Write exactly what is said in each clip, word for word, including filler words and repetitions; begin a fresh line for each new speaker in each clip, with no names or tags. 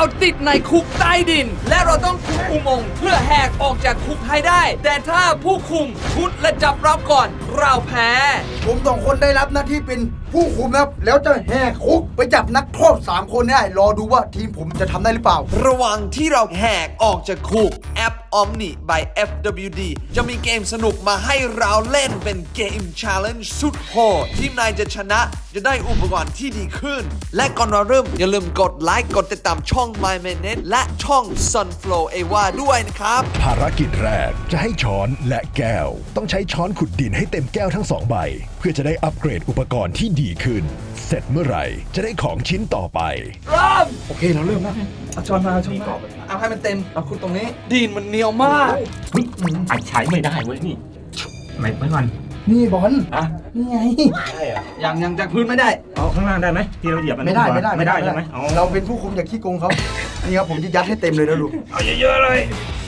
ติดในคุกใต้ดินและเราต้องคุมอุโมงค์เพื่อแหกออกจากคุกให้ได้แต่ถ้าผู้คุมชุดและจับเราก่อนเราแพ้
ผมสองคนได้รับหน้าที่เป็นผู้คุมครับแล้วจะแหกคุกไปจับนักโทษสามคนได้รอดูว่าทีมผมจะทำได้หรือเปล่า
ระหว่างที่เราแหกออกจากคุกแอป Omni by เอฟ ดับเบิลยู ดี จะมีเกมสนุกมาให้เราเล่นเป็นเกม Challenge สุดโหดทีมนายจะชนะจะได้อุปกรณ์ที่ดีขึ้นและก่อนเราเริ่มอย่าลืมกดไลค์กดติดตามช่อง My Minute และช่อง Sunflow เอวาด้วยนะครับ
ภารกิจแรกจะให้ช้อนและแก้วต้องใช้ช้อนขุดดินให้เต็มแก้วทั้งสองใบเพื่อจะได้อัปเกรดอุปกรณ์ที่ดีขึ้นเสร็จเมื่อไหร่จะได้ของชิ้นต่อไป
เริ่ม
โอเคเราเริ่มแล้ว
เอาช้อนมาเอาช้อนมาเอาให้มันเต็มเอาขุดตรงนี้ดินมันเหนียวมาก
อัดใช้ไม่ได้เว้ยนี่ไม่ไม่ก่อน
นี่บอล
อ่ะ
นี่ไง
ใช่เหรอ
ยังยังจากพื้นไม่ได้
เอาข้างล่างได้ไหมที่เราเหยียบมัน
ไม่ได้ไม่ได้
ไม่ได้ใช่ไหม
เราเป็นผู้คุมอย่าขี้โกงเขานี่ครับผมจะยัดให้เต็มเลยนะลูก
เอาเยอะๆเลย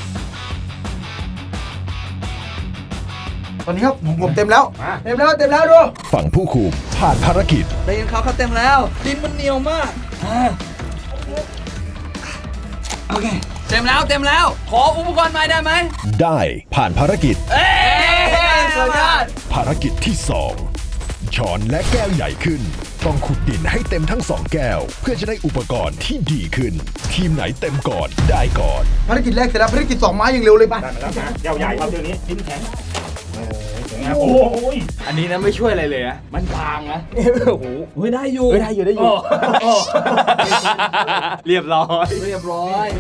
ตอนนี้ครับผมเต็มแล้วเต็มแล้วเต็มแล้วดู
ฝั่งผู้คุมผ่านภารกิจ
ได้ยินเขาเขาเต็มแล้วดินมันเหนียวมากโอเคเต็มแล้วเต็มแล้วขออุปกรณ์ใหม่ได้ไหม
ได้ผ่านภารกิจ
เอ้ยสุดยอด
ภารกิจที่สองช้อนและแก้วใหญ่ขึ้นต้องขุดดินให้เต็มทั้งสองแก้วเพื่อจะได้อุปกรณ์ที่ดีขึ้นทีมไหนเต็มก่อนได้ก่อน
ภารกิจแรกเสร็จแล้วภารกิจสองไม้อย่างเร็วเลยป่ะ
ได้มาแล้วนะแก้วใหญ่ครับเดี๋ยวนี้ดินแข็งโอ้ยอันนี้นะไม่ช่วยอะไรเลยนะมันบางนะโอ้โห
เฮ้ยได้อยู่
เฮ้ยได้อยู่ได้อยู่เรียบร้อย
เรียบร้อย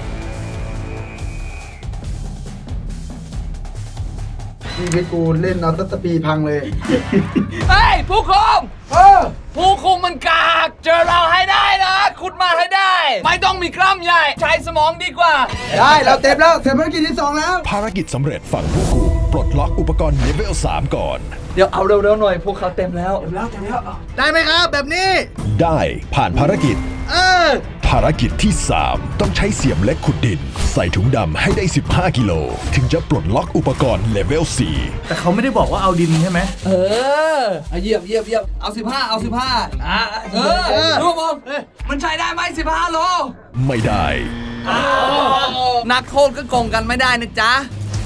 นี่เพชรกูเล่นเอาตัตปีพังเลย
เฮ้ยผู้คุม
เออ
ผู้คุมมันกากเจอเราให้ได้นะขุดมาให้ได้ไม่ต้องมีกล้ามใหญ่ใช้สมองดีกว่า
ได้เราเต็มแล้วเสร็จภารกิจที่สองแล้ว
ภารกิจสำเร็จฝั่งผู้คุมปลดล็อกอุปกรณ์เลเวลสามก่อน
เดี๋ยวเอาเร็วๆหน่อยพวกเขาเต็มแล้ว
เต็มแล้วเต็มแล้ว
ได้ไหมครับแบบนี้
ได้ผ่านภารกิจ
เออ
ภารกิจที่สามต้องใช้เสียมเล็กขุดดินใส่ถุงดำให้ได้สิบห้ากิโลถึงจะปลดล็อกอุปกรณ์เลเวลสี่
แต่เขาไม่ได้บอกว่าเอาดินใช่ไหม
เออเหยียบเหยียบเหยียบเอาสิบห้าเอาสิบห้าอ่ะเออดูมองมันใช้ได้ไหมสิบห้าโล
ไม่ได้
นักโทษก็โกงกันไม่ได้นะจ๊ะ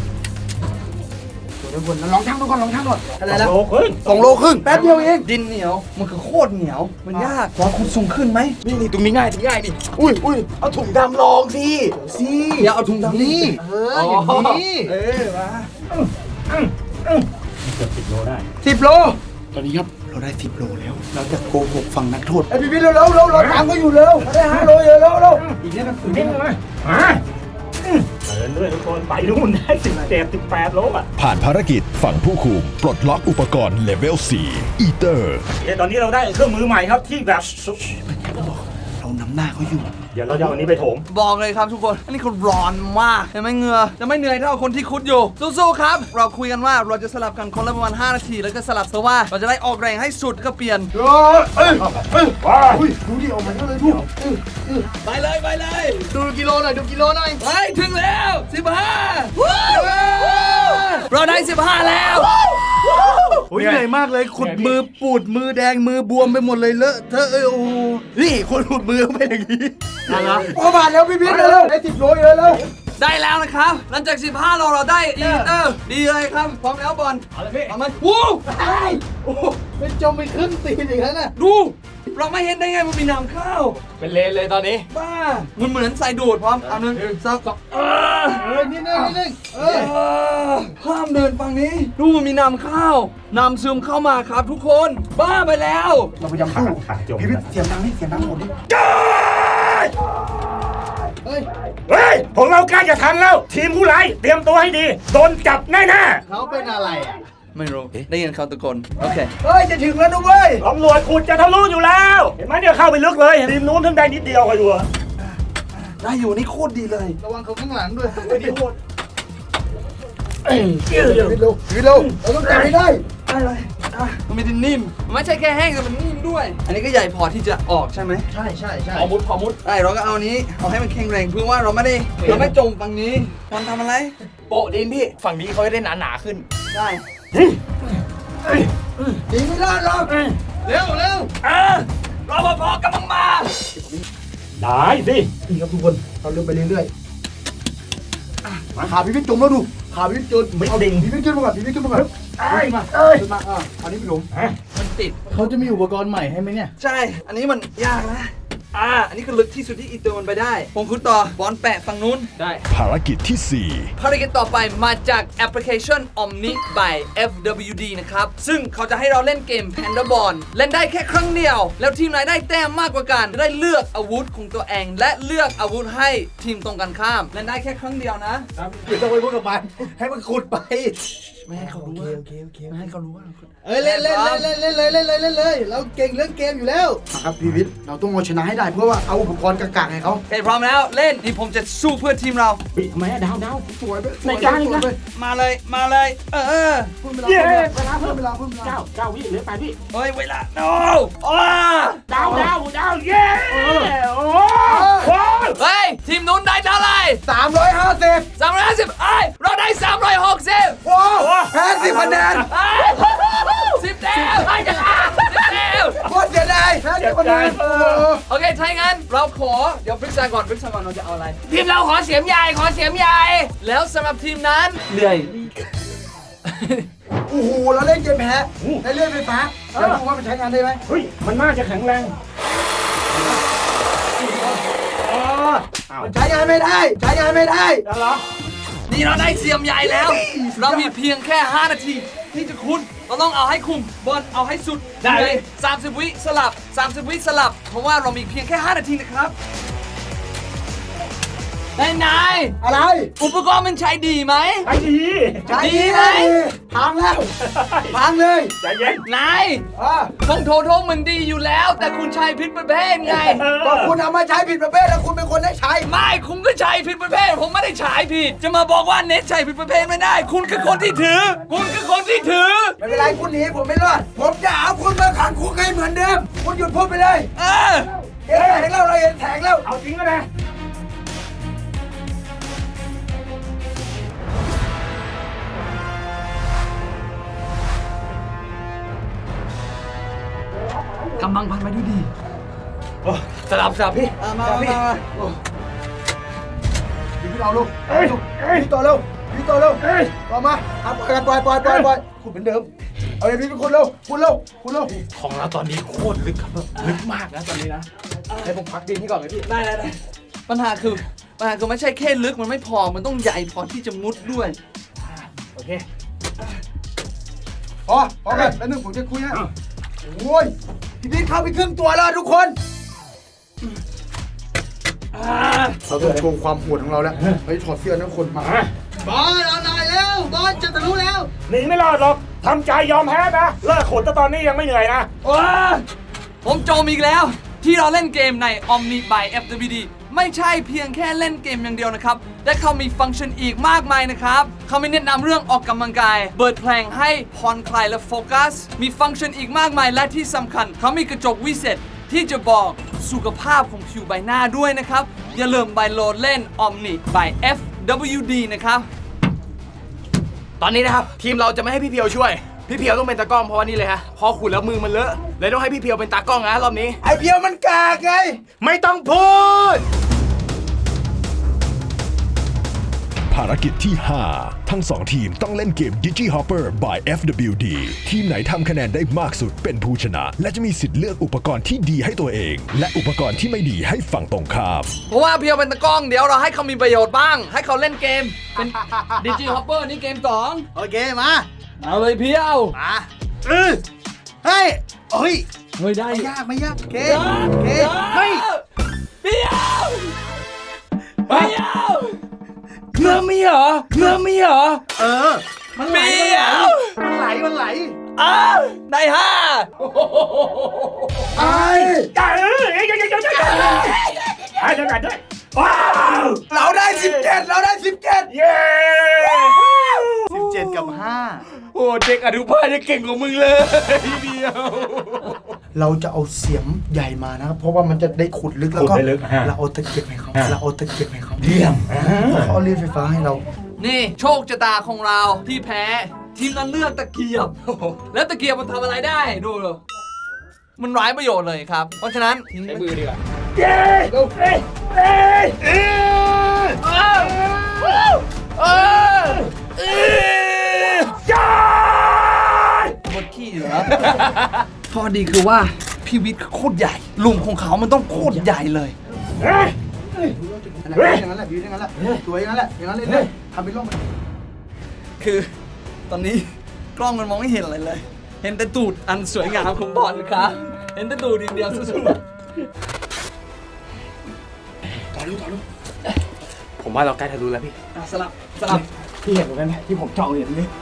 เดี๋ยวคนลองทั้งดูก่อนลองทั้งก่อนอะไรแล้ว
โลครึ่ง
สองโลครึ่งแป๊บเดียวเอง
ดินเหนียวมันคือโคตรเหนียวมันยากพอคุณสูงขึ้นไหม
นี่นี่ตรงนี้ง่ายตรงนี้ง่ายดิ
อุ้ยอุ้ยเอาถุงดำลองสิสิ
อย่าเอาถุงดำนี่
เอออย่างนี้
เออมา
เกือบสิบโลได้
สิบโล
ตอนนี้ครับเราได้สิบโลแล้ว
เราจะโกหกฝั่งนักโทษไอ้พี่พี่เร็วเร็วเร็วเราตามก็อยู่เร็วได้ห้าโลเร็วเร็วเร็วอีกนิดนึง
อีกนิดนึงเลยมาเดินด้วยทุกคนไปนู่นได้สิบเจ็ดสิบแปดโลอ่ะ
ผ่านภารกิจฝั่งผู้คุมปลดล็อกอุปกรณ์เลเวลสี่อีเตอร์
ตอนนี้เราได้เครื่องมือใหม่ครับที่แบบ
เรานำหน้าเขาอยู่
เดี๋ยวเราจะเอาอันนี้ไปโถม
บอกเลยครับทุกคนอันนี้เขาร้อนมากเห็นไหมเหงื่อจะไม่เหนื่อยเท่าคนที่คุดอยู่สู้ๆครับเราคุยกันว่าเราจะสลับกันคนละประมาณห้านาทีแล้วก็สลับเสื้อว่าเราจะได้ออกแรงให้สุดก็เปลี่ยน
เอ้ยเอ้ยเอ้ยว้าดูดิออกมาเยอะเลยดู
ไปเลยไปเลย
ดูกิโลหน่อยดูกิโลหน่อย
ไปถึงแล้วสิบห้าเราได้สิบห้าแล้ว
โอ้ยเหนื่อยมากเลยขุดมือปูดมือแดงมือบวมไปหมดเลยเลอะเธอเอ้ยโอ้นี่คนขุดมือเป็นอย่างนี้
อะไร
พอผ่านแล้วพี่พิษเร็วได้สิบโลเลยแล้ว
ได้แล้วนะครับหลังจากสิบห้าโลเราได้อีเตอร์ดีเลยครับพร้อมแล้วบอล
เอาเลยพี่
เอามาวู้
โอ้เป็นจมไปครึ่งตีนอย่างนั้นน่ะ
ดูเราไม่เห็นได้ไงมันมีน้ำข้าว
เป็นเลนเลยตอนนี้
บ้ามันเหมือนใส่ดูดพร้อมเอาหนึ่งสองเออ
เออนิดนึงนิดนึงเอ
อห้ามเดินฝั่งนี้ดูมันมีน้ำข้าวน้ำซึมเข้ามาครับทุกคนบ้าไปแล้ว
เราพยายามสู้พี่พิษเสียงดังนี่เสียงดังหมดดิ
เฮ้ยเฮ้ยของเราใกล้จะทันแล้วทีมผู้ร้ายเตรียมตัวให้ดีโดนจับแน่
ๆเขาเป็นอะไรอ่ะ
ไม่รู้ได้ยินเขาตะโกนโอเค
เฮ้ยจะถึงแล้วนะเว้ย
ตำรวจขุดจะทะลุอยู่แล้วเห็นไหมเดี๋ยวเข้าไปลึกเลยทีมนู้นเพิ่งได้นิดเดียวไปดู
ได้อยู่นี่โคตรดีเลย
ระวังเขาข้างหลังด้วย
ไม่ดีโคตร
เร็วเร็วเร็วเราต้องจับให้ได้
ได้เลยมันไม่ได้นิ่มไม่ใช่แค่แห้งแต่มันนิ่มด้วยอันนี้ก็ใหญ่พอที่จะออกใช่ไหม
ใช่ใช่ใช่
พอมุดพอมุด
ไอ้เราก็เอานี้เอาให้มันแข็งแรงเพื่อว่าเราไม่ได้เราไม่จมฝั่งนี้มันทำอะไร
โปะดินพี่ฝั่งนี้เขาจะได้หนาหนาขึ้น
ได้
ดีไม่รอดหรอก
เร็วเร็ว
เออรอปภกำลังมาได้สิ
นี่ครับทุกคนเราเลื่อนไปเรื่อยๆอ่ะขาพี่พี่จุ่มแล้วดูขาพี่พี่จุ่ม
ไม่
เอา
ดิ่ง
พี่พี่ขึ้นมาก่อนพี่พี่ขึ้นมาก่อน
เอ้ย
ขึ้นมา
เอ้ย
ขึ้นมาอ่ะอันนี้พี่หลง
ฮะ
มันติด
เขาจะมีอุปกรณ์ใหม่ให้ไหมเนี่ย
ใช่ อันนี้มันยากนะ อ่า อันนี้คือลึกที่สุดที่อีตัวมันไปได้ ผมคุณต่อบอลแปะฝั่งนู้น ได้
ภารกิจที่สี่
ภารกิจต่อไปมาจากแอปพลิเคชัน Omni by เอฟ ดับเบิลยู ดี นะครับ ซึ่งเขาจะให้เราเล่นเกม Panda Ball เล่นได้แค่ครั้งเดียว แล้วทีมไหนได้แต้มมากกว่ากันจะได้เลือกอาวุธของตัวเอง และเลือกอาวุธให้ทีมตรงกันข้าม เล่นได้แค่ครั้งเดียวนะ
เดี๋ยวต้องไปพูดกับมันให้มันขุดไป
ไม่ให้เขารู้ว่า
โอเคโอเค
ไม่ให้เขารู้ว่า
เอ้ยเล่นเล่นเล่นเล่นเล่นเลยเล่นเลยเล่นเลยเราเก่งเรื่องเกมอยู่แล้วครับพี่วิทย์เราต้องเอาชนะให้ได้เพราะว่าเอาอุปกรณ์กากๆให้เขา
โอเคพร้อมแล้วเล่นนี่ผมจะสู้เพื่อทีมเรา
ปิดทำไมอะดาวดาว
สวยไป
ในกลางอีกนะ
มาเลยมาเลย เออ
เพิ่มเวลา
เย้
เวลาเพิ่มเวลาเพิ่มเวลา
เก้าเก้าวิเหลือแปดวิ
เฮ้ยเวลา no อ้า
ดาวดาวดาวเย้โอ้โห
เฮ้ยทีมนู้นได้เท่าไหร่
สามร้อยห้าสิบ
สามร้อยห้าสิบไอ้ยเราได้สามร้อยหกสิบ
ว้าวแพ้สิบคะแนน
สิบแต้มไอ้กันสิบแต้ม
โคตรเสียดายแพ้สิบคะแนนโอ้โห
โอเคถ้าอย่างนั้นเราขอเดี๋ยวปรึกษาก่อนปรึกษาก่อนเราจะเอาอะไร
ทีมเราขอเสียมใหญ่ขอเสียมใหญ่
แล้วสำหรับทีมนั้นเลื่อย
โอ้โหเราเล่นเกมแพ้ในเลื่อยไฟฟ้าเดี๋ยวดูว่ามันใช้งานได้ไหม
เฮ้ยมันน่าจะแข็งแรงอ๋ออ้าว
มันใช้งานไม่ได้ ใช้งานไม่ได้
แล้วเหรอ
นี่เราได้เสียมใหญ่แล้ว เรามีเพียงแค่ห้านาทีที่จะคุ้นเราต้องเอาให้คุ้มบอลเอาให้สุด
ได้
เลยสามสิบวิสลับสามสิบวิสลับ เพราะว่าเรามีเพียงแค่ห้านาทีนะครับไอ้นาย
อะไร
อุปกรณ์มันใช้ดีไหม
ไอ้ดี
ใช้
ดี
ดี
ไหม
เลยพังแล้วพังเลย
ใจเย็น
นาย
อ่ะ
คงโทโทมันดีอยู่แล้ว แต่คุณใช้ผิดประเภทไง
ก็คุณเอามาใช้ผิดประเภทแล้วคุณเป็นคนได้ใช้
ไม่คุณก็ใช้ผิดประเภท ผมไม่ได้ใช้ผิด จะมาบอกว่าเน็ตใช้ผิดประเภทไม่ได้ คุณคือคนที่ถือ คุณคือคนที่ถือ
ไม่เป็นไรคุณหนีผมไม่รอด ผมจะเอาคุณมาขังคุกให้เหมือนเดิม คุณหยุดพูดไปเลย
เออ
เห็นแสงแล้วเราเห็นแสงแล้ว
เอาจริงก็ได้
กำลังพันไปด้วยดีสลับสลับพี่มาพี่
พี่พี่เอาลูก
เอ้ย
ลูก
เอ้ย
พี่ต่อเร็วพี่ต่อเร็ว
เอ้ย
ต่อมาอ่ะปล่อยกันปล่อยปล่อยปล่อยปล่อยคุณเหมือนเดิม เอาเลยพี่เป็นคนเร็วคุณเร็วคุณเร็ว
ของเราตอนนี้โคตรลึกครับลึกมากนะตอนนี้นะให้ผมพักดินให้ก่อนเลยพี่
ได้ได้ได้ปัญหาคือปัญหาคือไม่ใช่แค่ลึกมันไม่พอ มันต้องใหญ่พอที่จะมุดด้วย
โอเค
พอพอกันแล้วนึงผมจะคุยนะโอ้ยพี่พี่เข้าไปครึ่งตัวแล้วทุกคนเราต้องโชว์ความโหดของเราแล้วเฮ้ยถอดเสื้อนะคนมา
มา
บอลเอาหน่อยแล้วบอลจะทะลุแล้ว
หนีไม่รอดหรอกทำใจยอมแพ้นะเลิกขนแต่ตอนนี้ยังไม่เหนื่อยนะ
ว้าผมโจมอีกแล้ว ที่เราเล่นเกมใน Omni by เอฟ ดับเบิลยู ดี ไม่ใช่เพียงแค่เล่นเกมอย่างเดียวนะครับ แต่เขามีฟังก์ชันอีกมากมายนะครับ เขามีแนะนำเรื่องออกกำลังกาย เปิดเพลงให้ผ่อนคลายและโฟกัส มีฟังก์ชันอีกมากมายและที่สำคัญ เขามีกระจกวิเศษที่จะบอกสุขภาพของผิวใบหน้าด้วยนะครับ อย่าลืมไปโหลดเล่น Omni by เอฟ ดับเบิลยู ดี นะครับ
ตอนนี้นะครับ ทีมเราจะไม่ให้พี่เพียวช่วย พี่เพียวต้องเป็นตากล้องเพราะว่านี่เลยฮะพอขุดแล้วมือมันเลอะเลยต้องให้พี่เพียวเป็นตากล้องนะรอบนี้
ไอเพียวมันกากไง
ไม่ต้องพูด
ภารกิจที่ ห้า ทั้งสองทีมต้องเล่นเกม DigiHopper by เอฟ ดับเบิลยู ดี ทีมไหนทำคะแนนได้มากสุดเป็นผู้ชนะ และจะมีสิทธิ์เลือกอุปกรณ์ที่ดีให้ตัวเอง และอุปกรณ์ที่ไม่ดีให้ฝั่งตรงข้าม
เพราะว่าเพียวเป็นตะกล้องเดี๋ยวเราให้เขามีประโยชน์บ้าง ให้เขาเล่นเกม เป็น ดิจิฮอปเปอร์นี่เกมสอง
โอเคมา
เอาเลยเพียว
มาเออเฮ้ยเฮ้ย
เฮ้ยได้
ไม่ยากไม่ยากโอเค
เฮ้
โอเค
ย
เฮ้ย
เพียวเพียว
เงื่อมีเหรอเงื่อมีเหรอ
เออมันไหล
เพียว
มันไหลมันไหล
อ้าวได้ห้า
ไอ้
จ่ายเอ้ยเอ้ยเอ้ยเอ้ยเอ้ยเอ้ยให้เดี๋ยวกันด้วยว้าว
เราได้สิบเจ็ดเราได้สิบเจ็ด
เย้
สิบเจ็ดกับห้า
โอ้เด็กอนุบาลยังเก่งกว่ามึงเลยพี่เพียว
เราจะเอาเสียมใหญ่มานะครับเพราะว่ามันจะได้ขุดลึกแล้วก็
ขุดได้ลึกฮะ
เราเอาตะเกียบให้เขา
ฮะ
เราเอาตะเกียบให้เขา
เยี่ยม
เขาเอาเลื่อยไฟฟ้าให้เรา
นี่โชคชะตาของเราที่แพ้ ทีมนั้นเลือกตะเกียบ แล้วตะเกียบมันทำอะไรได้ดูเลยมันไร้ประโยชน์เลยครับ เพราะฉะนั้น
ใช้มือดีกว่า
เย้เอ้ยเอ้ยเอ้ยเอ้ยเอ้ยจ้า
หมดขี้เหรอ พอดีคือว่าพี่วิทย์โคตรใหญ่ลุมของเขามันต้องโคตรใหญ่เลย
เฮ้ย
อย่างนั้นแหละพี่อย่างนั้นแหละสวยอย่างนั้นแหละอย่างนั้นเลยทำเป็นร่องคือตอนนี้กล้องมันมองไม่เห็นอะไรเลย เห็นแต่ตูดอันสวยงามของบอลครับเห็นแต่ตูดอย่างเดียวสุด
ผมว่าเราใกล้ทะลุแล้วพี่
ๆอ่ะสลับสลับ
พี่เห็นเหมือนกันไหมที่ผมจ้องเห็นนี่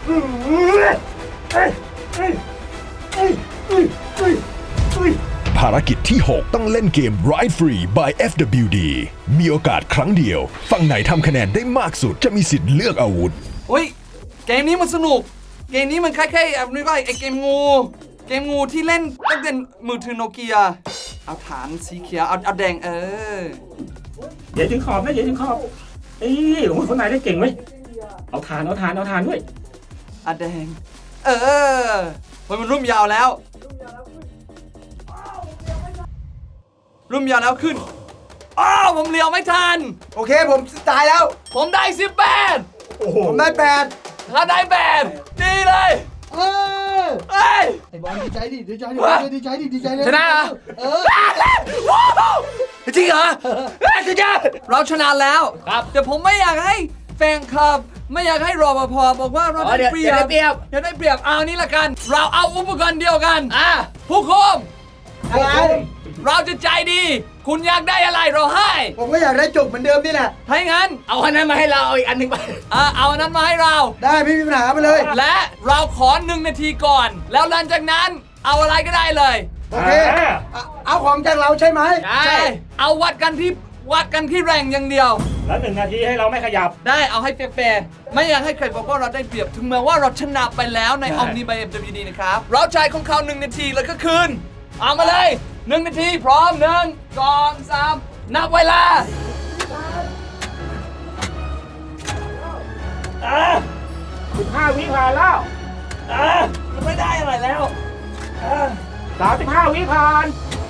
ภารกิจที่ หก ต้องเล่นเกม Ride Free by เอฟ ดับเบิลยู ดี มีโอกาสครั้งเดียว ฝั่งไหนทำคะแนนได้มากสุดจะมีสิทธิ์เลือกอาวุธ
เฮ้ยเกมนี้มันสนุกเกมนี้มันคล้ายๆแบบนี้ว่าไอเกมงูเกมงูที่เล่นตั้งแต่มือถือโนเกียเอาฐานสีเขียวเอาเอาแดงเออ
อย่าถึงขอบนะอย่าถึงขอบเอ้ยโอ้ยคนไหนได้เก่งเว้ยเอาทานเอาทานเอาทานด้วย
เอาแดงเออมันมันรุ่มยาวแล้วรุ่มยาวแล้วขึ้นอ้าวผมเลี้ยวไม่ทัน
โอเคผมตายแล้ว
ผมได้สิบแปด
โอ้โห
ผมได้แปด
ถ้าได้แปดดีเลย
เออ
เฮ้ย
ไอ้บอลดีใจดิดีใจดิ
วะ
ดีใจดิดีใจเลย
ชนะเหรอ
เออ
ว้าวจริงเหรอจริงจ้ะเราชนะแล้วครับแต่ผมไม่อยากให้แฟนคลับไม่อยากให้รปภบอกว่าเรา
อ๋อ
ได้
เดี๋ยว
เปรียบ
เดี๋ยวได้เปรียบ
เดี๋ยวได้เปรียบเอานี่ละกัน เราเอาอุปกรณ์เดียวกันอ่ะผู้คุม
อะไร
เราจะใจดี คุณอยากได้อะไรเราให้
ผมก็อยากได้จบเหมือนเดิมนี่แหละ
ถ้าอย่างนั้น
เอาอันนั้นมาให้เราเอาอีกอันหนึ่งไป
อ่ะเอาอันนั้นมาให้เรา
ได้ไม่มีปัญหาไปเลย
และเราขอหนึ่งนาทีก่อน แล้วหลังจากนั้นเอาอะไรก็ได้เลย
โอเคเอาเอาของจากเราใช่ไหม
ใช่เอาวัดกันที่วัดกันที่แรงอย่างเดียว
แล้วหนึ่งนาทีให้เราไม่ขยับ
ได้เอาให้แฟร์ๆไม่อยากให้ใครบอกว่าเราได้เปรียบถึงแม้ว่าเราชนะไปแล้วใน Omni by เอฟ ดับเบิลยู ดี นะครับ เราใจของเขาหนึ่งนาทีแล้วก็คืนเอามาเลยหนึ่งนาทีพร้อมหนึ่งสองสามนับเวลา
สิบห้าวิผ่านแล้ว
มันไม่ได้อะไรแล้ว
สามสิบห้าวิผ่าน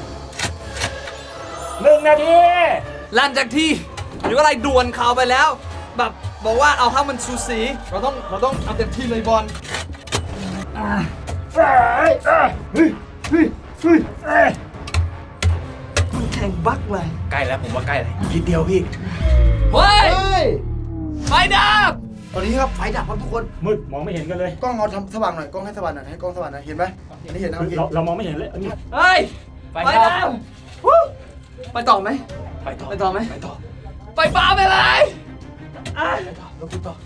หนึ่งนาที
หลังจากที่หรือว่าอะไรด่วนเขาไปแล้ว แบบบอกว่าเอาให้มันสูสีเราต้องเราต้องเอาเต็มที่เลยบอล
เอ้ยเอ้ยเฮ้ยเฮ้ยเฮ้ยเอ้ย
มันแข่งบักเลย
ใกล้แล้วผมว่าใกล้แล้วนิดเดียวพี่
เฮ้ย
เฮ้ย
ไฟดับ
ตอนนี้ครับไฟดับครับทุกคน
มืดมองไม่เห็นกันเลย
กล้องเอาทำสว่างหน่อยกล้องให้สว่างหน่อยให้กล้องสว่างหน่อยเห็นไหมอันนี้เห็นนะโอเค
เราเรามองไม่เห็นเลยอันนี้
เฮ้ย
ไฟ
ไฟ
ดับ
ดับวู้ไปต่อไหม
ไปต่อ
ไปต่อไหม
ไปต่อ
ไปป่าไปเลยอ่ะ
แล้วคุณต่อ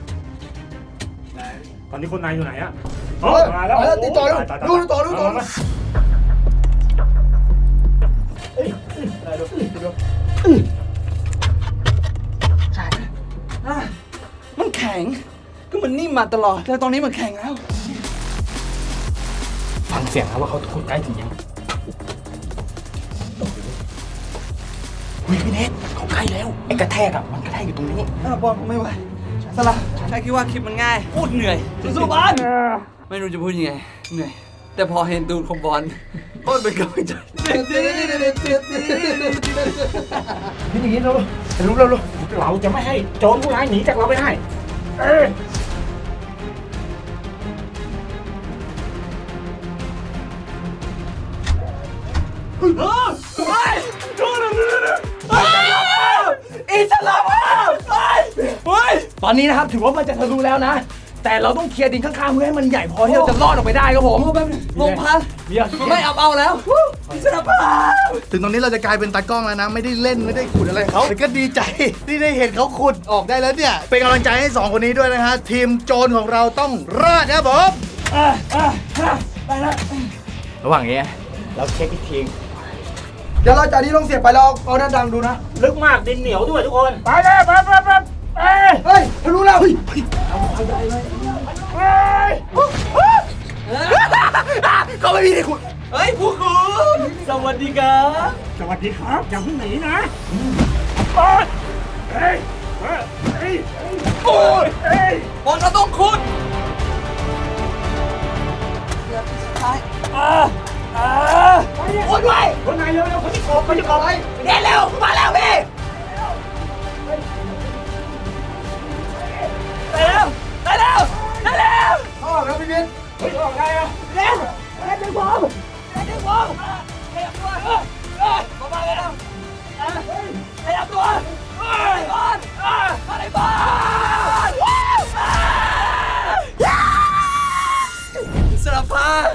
ตอนนี้คนนายอยู่ไหนอะ
เฮ้ย
มาแล้ว
มาแล้วติดต่อดู
ตายตาย
ดูต่อดูต่อ
มามา
อ่ะมันแข็งก็มันนิ่มมาตลอดแต่ตอนนี้มันแข็งแล้ว
ฟังเสียงนะว่าเขาทุกคนใกล้ถึงยังเฮ้ยพี่เนทเขาใกล้แล้วไอ้กระแทกอะมันกระแทกอยู่ตรงนี้
อ่ะบอลไม่ไหวสละแค่คิดว่าคลิปมันง่ายพูดเหนื่อยสู้ๆบอลไม่รู้จะพูดยังไงเหนื่อยแต่พอเห็นตูดของบอลก็เป็นกำลังใจ
พี่อย่างนี้เรารู้เรารู้
เราจะไม่ให้โจรผู้ร้ายหนีจากเราไปได้เอ้ย
อิสลามเฮ้ยเฮ้ยตอนนี้นะครับถือว่ามันจะทะลุแล้วนะ แต่เราต้องเคลียร์ดินข้างๆเพื่อให้มันใหญ่พอที่เราจะรอดออกไปได้ครับผม
โอ้แบบลงพัน
เดี๋ยว
ไม่เอาเอาแล้วอิสระภาพ
ถึงตรงนี้เราจะกลายเป็นตากล้องแล้วนะ ไม่ได้เล่นไม่ได้ขุดอะไรเขาแต่ก็ดีใจที่ได้เห็นเขาขุดออกได้แล้วเนี่ย เป็นกำลังใจให้สองคนนี้ด้วยนะฮะทีมโจรของเราต้องรอดนะครับผม
ระหว่างนี้เราเช็คอีกที
เดี๋ยวเราจากนี้ลงเสียบไปเราเอาหน้าดังดูนะ
ลึกมากดินเหนียวด้วยทุกคน ไปเลยไปไปไปเอ้ย
เฮ้ยทะลุแล้วเฮ้ย
เอ้ย
ก็ไม่มีที่คุณเฮ้ยผู้คุณสวัสดีครับ
สวัสดีครับอย่าเพิ่งหนีนะโอ๊ยเอ้ยเอ้ยเอ้ย
โอ้ย
เอ้ย
บอลเราต้องคุณ
คนไหนเร็วเร็วเขาจะกบเขาจะกบ
เดินเร็วมาแล้วพี่ไปเร็วไปเร็วไปเร็ว
ออกแล้วพี่บิ๊ก
เฮ้ยออกไงอ่ะ
เร็วเร็วดึงผมเร็วดึงผมขยับตัวเอ้ยมาบ้านเร็วขยับตัวมาในบ้านมาในบ้านสารพัด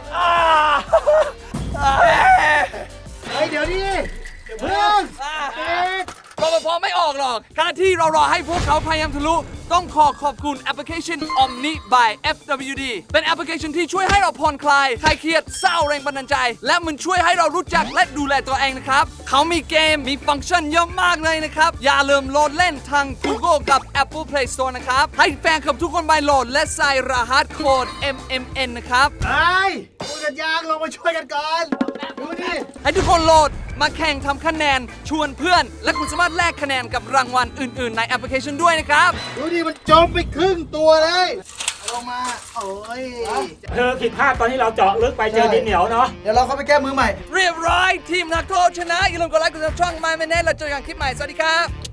เฮ้ยเดี๋ยวนี้เพื่อน
รปภไม่ออกหรอกขณะที่เรารอให้พวกเขาพยายามทะลุ ต้องขอขอบคุณแอปพลิเคชัน Omni by เอฟ ดับเบิลยู ดี เป็นแอปพลิเคชันที่ช่วยให้เราผ่อนคลายคลายเครียดเศร้าแรงบันดาลใจ และมันช่วยให้เรารู้จักและดูแลตัวเองนะครับ เขามีเกมมีฟังก์ชันเยอะมากเลยนะครับ อย่าลืมโหลดเล่นทาง Google กับ Apple Play Store นะครับ ให้แฟนคลับทุกคนไปโหลดและใส่รหัสโค้ด เอ็ม เอ็ม เอ็น นะครับ
ไอ้พูดกันยางลงมาช่วยกันก่อน ดูดิ
ให้ทุกคนโหลดมาแข่งทำคะแนนชวนเพื่อน และคุณสามารถแลกคะแนนกับรางวัลอื่น ๆ ในแอปพลิเคชันด้วยนะครับ
ดูดิมันจมไปครึ่งตัวเลยเอาลงมาโอ้ย
เธอผิดพลาดตอนที่เราเจาะลึกไปเจอดินเหนียวเนาะ
เดี๋ยวเราเข้าไปแก้มือใหม่
เรียบร้อยทีมนักโทษชนะ อย่าลืมกดไลค์กดซับช่อง My Minute แล้วเจอกันคลิปใหม่ สวัสดีครับ